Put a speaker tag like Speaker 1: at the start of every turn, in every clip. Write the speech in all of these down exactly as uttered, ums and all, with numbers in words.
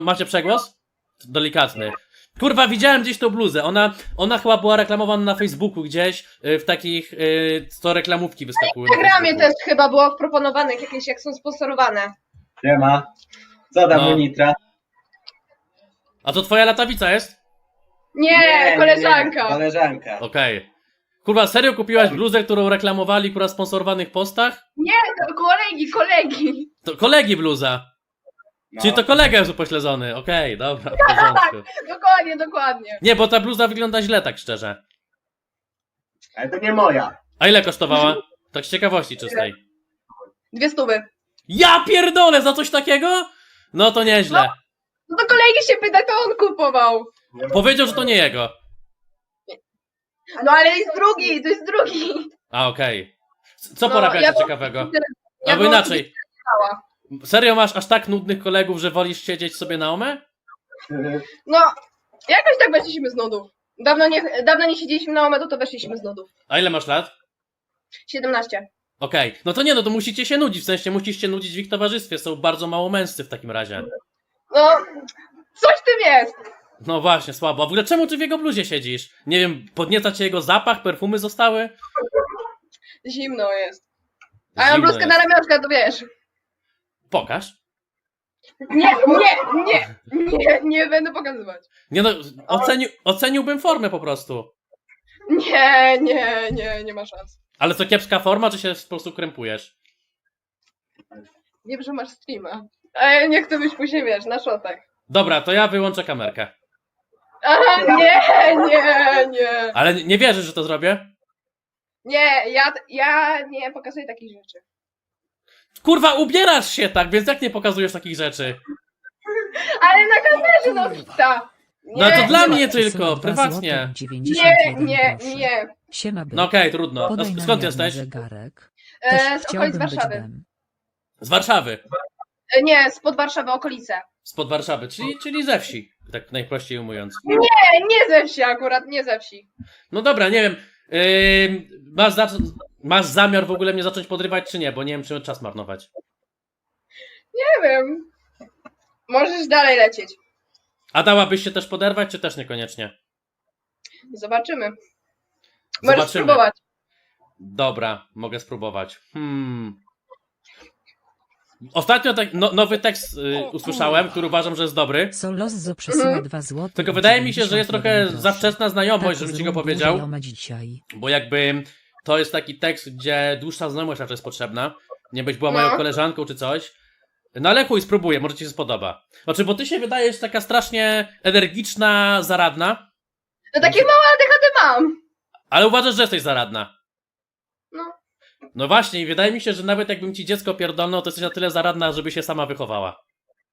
Speaker 1: Macie przegłos? Delikatny. Kurwa, widziałem gdzieś tą bluzę. Ona, ona chyba była reklamowana na Facebooku gdzieś, y, w takich, y, co reklamówki wyskakują.
Speaker 2: W Instagramie też chyba było proponowanych jakieś, jak są sponsorowane.
Speaker 3: Nie ma. Co tam
Speaker 1: No.
Speaker 3: u Nitra?
Speaker 1: A to twoja latawica jest?
Speaker 2: Nie, koleżanka.
Speaker 3: Nie, koleżanka.
Speaker 1: Okej. Kurwa, serio kupiłaś bluzę, którą reklamowali kurwa w sponsorowanych postach?
Speaker 2: Nie, to kolegi, kolegi.
Speaker 1: To kolegi bluza.
Speaker 3: No.
Speaker 1: Czyli to kolega jest upośledzony. Okej, dobra, w porządku.
Speaker 2: Dokładnie, dokładnie.
Speaker 1: Nie, bo ta bluza wygląda źle, tak szczerze.
Speaker 3: Ale to nie moja.
Speaker 1: A ile kosztowała? Tak z ciekawości czystej.
Speaker 2: Dwie stówy.
Speaker 1: Ja pierdolę, za coś takiego? No to nieźle.
Speaker 2: No to kolegi się pyta, to on kupował.
Speaker 1: Powiedział, że to nie jego.
Speaker 2: No ale jest drugi, to jest drugi.
Speaker 1: A, okej. Co
Speaker 2: No,
Speaker 1: porabiacie
Speaker 2: ja bym-
Speaker 1: ciekawego?
Speaker 2: Ja
Speaker 1: Albo
Speaker 2: bym
Speaker 1: inaczej.
Speaker 2: Stała.
Speaker 1: Serio masz aż tak nudnych kolegów, że wolisz siedzieć sobie na omę?
Speaker 2: No, jakoś tak weszliśmy z nudów. Dawno nie, dawno nie siedzieliśmy na omedu, to weszliśmy z nudów.
Speaker 1: A ile masz lat?
Speaker 2: siedemnaście.
Speaker 1: Okej. No to nie, no to musicie się nudzić, w sensie musisz się nudzić w ich towarzystwie. Są bardzo mało męscy w takim razie.
Speaker 2: No, coś w tym jest.
Speaker 1: No właśnie, słabo. A w ogóle czemu ty w jego bluzie siedzisz? Nie wiem, podnieca cię jego zapach, perfumy zostały?
Speaker 2: Zimno jest. A ja mam
Speaker 1: Zimno
Speaker 2: bluzkę
Speaker 1: jest.
Speaker 2: na ramionczka, to wiesz.
Speaker 1: Pokaż.
Speaker 2: Nie, nie, nie, nie, nie będę pokazywać.
Speaker 1: Nie no, oceni oceniłbym formę po prostu.
Speaker 2: Nie, nie, nie, nie ma szans.
Speaker 1: Ale co, kiepska forma, czy się po prostu krępujesz?
Speaker 2: Wiem, że masz streama. Ale nie chcę być później, wiesz, na szotach.
Speaker 1: Dobra, to ja wyłączę kamerkę.
Speaker 2: Aha, nie, nie, nie.
Speaker 1: Ale nie wierzysz, że to zrobię?
Speaker 2: Nie, ja, ja nie pokazuję takich rzeczy.
Speaker 1: Kurwa, ubierasz się tak, więc jak nie pokazujesz takich rzeczy?
Speaker 2: Ale na kamerze, no wita.
Speaker 1: No to dla
Speaker 2: nie,
Speaker 1: mnie
Speaker 4: Przesyła
Speaker 1: tylko,
Speaker 4: dwa
Speaker 1: prywatnie.
Speaker 4: złote dziewięćdziesiąt
Speaker 2: Nie,
Speaker 4: jeden
Speaker 2: nie,
Speaker 4: groszy.
Speaker 2: nie.
Speaker 4: Siema, byk.
Speaker 1: No okej, trudno. A
Speaker 4: Podaj
Speaker 1: sk-
Speaker 4: nam
Speaker 1: skąd
Speaker 4: jeden
Speaker 1: jesteś?
Speaker 4: zegarek.
Speaker 2: E,
Speaker 4: Też
Speaker 2: z okolic
Speaker 4: chciałbym być
Speaker 2: Warszawy.
Speaker 4: bem.
Speaker 1: Z Warszawy.
Speaker 2: E, nie, spod Warszawy, okolice.
Speaker 1: Spod Warszawy, czyli, czyli ze wsi, tak najprościej ujmując.
Speaker 2: Nie, nie ze wsi akurat, nie ze wsi.
Speaker 1: No dobra, nie wiem. Yy, masz, za masz zamiar w ogóle mnie zacząć podrywać, czy nie? Bo nie wiem, czy czas marnować.
Speaker 2: Nie wiem. Możesz dalej lecieć.
Speaker 1: A dałabyś się też poderwać, czy też niekoniecznie?
Speaker 2: Zobaczymy. Możesz
Speaker 1: Zobaczymy.
Speaker 2: spróbować.
Speaker 1: Dobra, mogę spróbować. Hmm. Ostatnio tak, no, nowy tekst y, usłyszałem, który uważam, że jest dobry.
Speaker 4: Solozzo przesyła
Speaker 2: Mhm.
Speaker 4: dwa złote.
Speaker 1: Tylko wydaje mi się, że jest trochę
Speaker 4: dziewięćdziesiąt jeden
Speaker 1: za
Speaker 4: groszy.
Speaker 1: wczesna znajomość,
Speaker 4: Tak,
Speaker 1: żebym ci go
Speaker 4: zrób
Speaker 1: powiedział.
Speaker 4: dłużej, oma dzisiaj.
Speaker 1: Bo jakby to jest taki tekst, gdzie dłuższa znajomość raczej jest potrzebna. Nie być była moją
Speaker 2: No.
Speaker 1: koleżanką czy coś. No ale chuj, spróbuję, może ci się spodoba. Znaczy, bo ty się wydajesz taka strasznie energiczna, zaradna,
Speaker 2: No takie małe A D H D mam.
Speaker 1: ale uważasz, że jesteś zaradna.
Speaker 2: No.
Speaker 1: No właśnie, i wydaje mi się, że nawet jakbym ci dziecko pierdolnął, to jesteś na tyle zaradna, żeby się sama wychowała.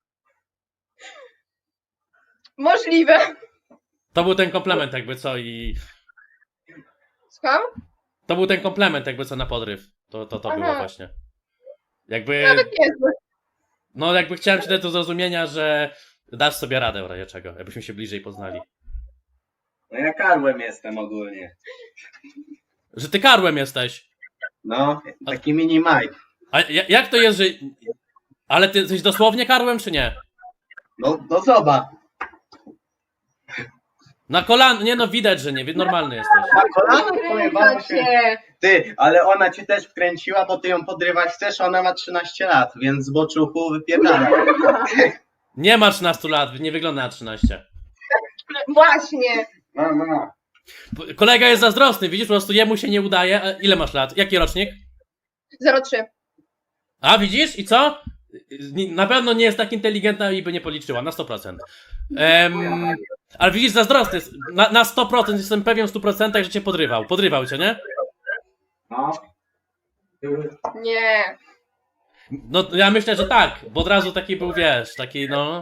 Speaker 2: Możliwe.
Speaker 1: To był ten komplement jakby co i...
Speaker 2: Słucham?
Speaker 1: To był ten komplement jakby co na podryw. To, to, to
Speaker 2: Aha.
Speaker 1: było właśnie. Jakby...
Speaker 2: Nawet niezły.
Speaker 1: No jakby chciałem ci dać do zrozumienia, że dasz sobie radę w razie czego, jakbyśmy się bliżej poznali.
Speaker 3: No ja karłem jestem ogólnie.
Speaker 1: Że ty karłem jesteś.
Speaker 3: No, taki mini Mike.
Speaker 1: A ja- jak to jest, że... Ale ty jesteś dosłownie karłem, czy nie?
Speaker 3: No, no zobacz.
Speaker 1: Na kolan... Nie no, widać, że nie. wi- Normalny jesteś.
Speaker 3: Na kolano powiem wam,
Speaker 2: Kręca
Speaker 3: się...
Speaker 2: cię.
Speaker 3: Ty, ale ona cię też wkręciła, bo ty ją podrywać chcesz, ona ma trzynaście lat, więc z boczuchu wypierdala.
Speaker 1: Nie ma trzynastu lat, nie wygląda na trzynaście.
Speaker 2: Właśnie.
Speaker 3: No, no, no.
Speaker 1: P- Kolega jest zazdrosny, widzisz, po prostu jemu się nie udaje. A ile masz lat? Jaki rocznik?
Speaker 2: zero trzy.
Speaker 1: A widzisz? I co? Ni- Na pewno nie jest tak inteligentna i by nie policzyła, na sto procent. Em, ale widzisz, zazdrosny jest. Na, na sto procent jestem pewien w stu procentach, że cię podrywał. Podrywał cię, nie?
Speaker 3: No.
Speaker 2: Nie.
Speaker 1: No ja myślę, że tak, bo od razu taki był, wiesz, taki no...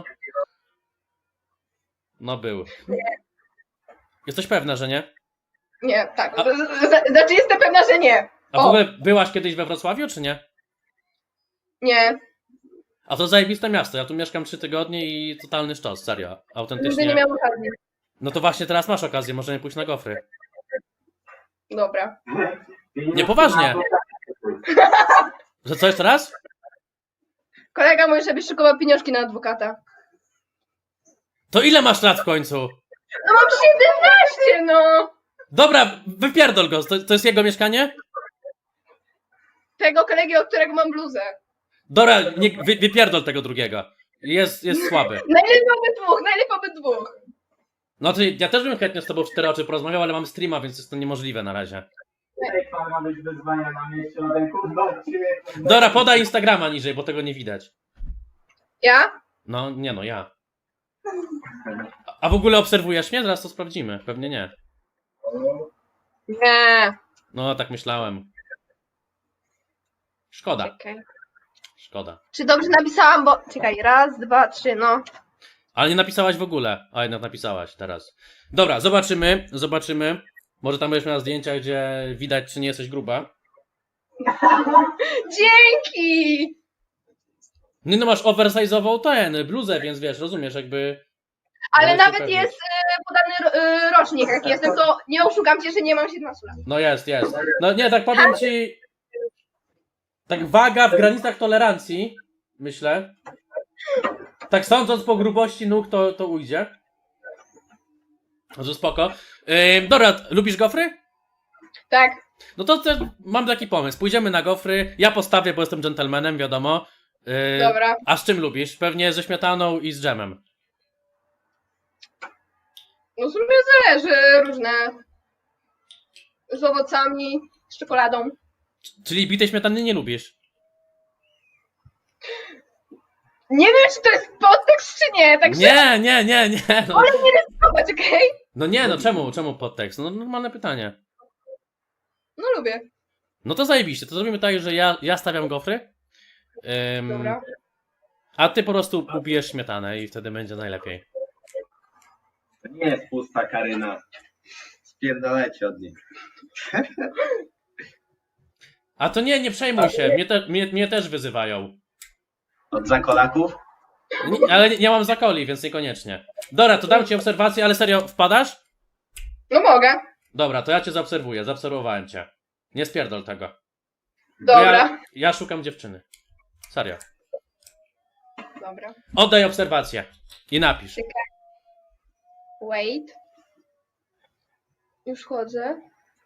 Speaker 1: No był. Jesteś pewna, że nie?
Speaker 2: Nie, tak.
Speaker 1: A-
Speaker 2: Z- z- Znaczy jestem pewna, że nie.
Speaker 1: A w
Speaker 2: O.
Speaker 1: ogóle byłaś kiedyś we Wrocławiu, czy nie?
Speaker 2: Nie.
Speaker 1: A to zajebiste miasto, ja tu mieszkam trzy tygodnie i totalny sztos, serio,
Speaker 2: Nigdy nie
Speaker 1: autentycznie.
Speaker 2: miałam okazji.
Speaker 1: No to właśnie teraz masz okazję, możemy pójść na gofry.
Speaker 2: Dobra.
Speaker 1: Nie, poważnie. Że co jeszcze raz?
Speaker 2: Kolega mówi, żebyś szykował pieniążki na adwokata.
Speaker 1: To ile masz lat w końcu?
Speaker 2: No mam siedemnaście, no!
Speaker 1: Dobra, wypierdol go, to, to jest jego mieszkanie?
Speaker 2: Tego kolegi, od którego mam bluzę.
Speaker 1: Dobra, nie, wy, wypierdol tego drugiego. Jest, jest słaby.
Speaker 2: Najlepiej obydwóch, najlepiej obydwóch.
Speaker 1: No to ja też bym chętnie z tobą w cztery oczy porozmawiał, ale mam streama, więc jest to niemożliwe na razie.
Speaker 3: Jak pan ma być wyzwania na mieście na ten kurwa odcinek?
Speaker 1: Dobra, podaj Instagrama niżej, bo tego nie widać.
Speaker 2: Ja?
Speaker 1: No, nie no, ja. A- A w ogóle obserwujesz mnie? Zaraz to sprawdzimy. Pewnie nie.
Speaker 2: Nie.
Speaker 1: No, tak myślałem. Szkoda,
Speaker 2: Czekaj.
Speaker 1: szkoda.
Speaker 2: Czy dobrze napisałam, bo... Czekaj, raz, dwa, trzy, no.
Speaker 1: Ale nie napisałaś w ogóle. A jednak napisałaś teraz. Dobra, zobaczymy, zobaczymy. Może tam będziesz miała zdjęcia, gdzie widać, czy nie jesteś gruba.
Speaker 2: Dzięki!
Speaker 1: No, no masz oversize'ową ten, bluzę, więc wiesz, rozumiesz, jakby...
Speaker 2: Ale
Speaker 1: Możesz się
Speaker 2: nawet
Speaker 1: upewnić.
Speaker 2: jest e, podany e, rocznik, jaki jestem, to nie oszukam cię, że nie mam siedemnastu lat.
Speaker 1: No jest, jest. No nie, tak powiem ci... Tak waga w granicach tolerancji, myślę. Tak sądząc po grubości nóg, to, to ujdzie. Może spoko. Yy, dobra, lubisz gofry?
Speaker 2: Tak.
Speaker 1: No to też mam taki pomysł. Pójdziemy na gofry. Ja postawię, bo jestem dżentelmenem, wiadomo. Yy,
Speaker 2: Dobra.
Speaker 1: A z czym lubisz? Pewnie ze śmietaną i z dżemem.
Speaker 2: No w sumie zależy, różne. Z owocami, z czekoladą.
Speaker 1: Czyli bitej śmietany nie lubisz?
Speaker 2: Nie wiem, czy to jest podtekst, czy nie, także
Speaker 1: Nie, nie, nie, nie. No,
Speaker 2: wolę nie ryzykować, okej?
Speaker 1: no nie, no czemu? Czemu podtekst? No normalne pytanie.
Speaker 2: No lubię.
Speaker 1: No to zajebiście. To zrobimy tak, że ja, ja stawiam gofry. Ym,
Speaker 2: Dobra.
Speaker 1: A ty po prostu ubijesz śmietanę i wtedy będzie najlepiej.
Speaker 3: To nie jest pusta Karyna. Spierdolecie od niej.
Speaker 1: A to nie, nie przejmuj się. Mnie, te, mnie, mnie też wyzywają.
Speaker 3: Od zakolaków?
Speaker 1: Nie, ale nie, nie mam zakoli, więc niekoniecznie. Dobra, to dam ci obserwację, ale serio, wpadasz?
Speaker 2: No mogę.
Speaker 1: Dobra, to ja cię zaobserwuję. Zaobserwowałem cię. Nie spierdol tego. Bo
Speaker 2: Dobra.
Speaker 1: Ja, ja szukam dziewczyny. Serio.
Speaker 2: Dobra.
Speaker 1: Oddaj obserwację. I napisz.
Speaker 2: Wait. Już chodzę.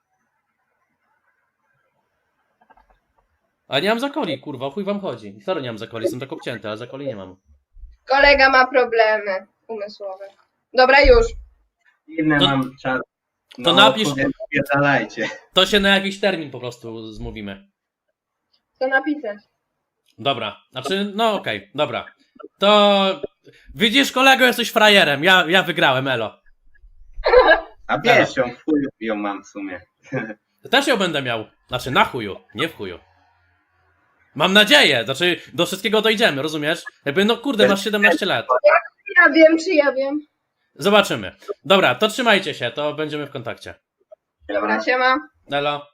Speaker 1: A nie mam zakoli, kurwa, o chuj wam chodzi. Sorry, nie mam zakoli, jestem tak obcięty, ale zakoli nie mam.
Speaker 2: Kolega ma problemy umysłowe. Dobra, już.
Speaker 3: Inne
Speaker 1: To-
Speaker 3: mam czas. No,
Speaker 1: to napisz-
Speaker 3: kurde, spierdalajcie.
Speaker 1: To się na jakiś termin po prostu zmówimy.
Speaker 2: Co napisać?
Speaker 1: Dobra, znaczy, no okej, dobra. To widzisz, kolego, jesteś frajerem. Ja, ja wygrałem, elo.
Speaker 3: A wiesz ją, w chuju ją mam w sumie.
Speaker 1: Też ją będę miał. Znaczy, na chuju, nie w chuju. Mam nadzieję, znaczy, do wszystkiego dojdziemy, rozumiesz? Jakby, no kurde, masz siedemnaście lat.
Speaker 2: Ja wiem, czy ja wiem.
Speaker 1: Zobaczymy. Dobra, to trzymajcie się, to będziemy w kontakcie.
Speaker 2: Dobra, siema.
Speaker 1: Elo.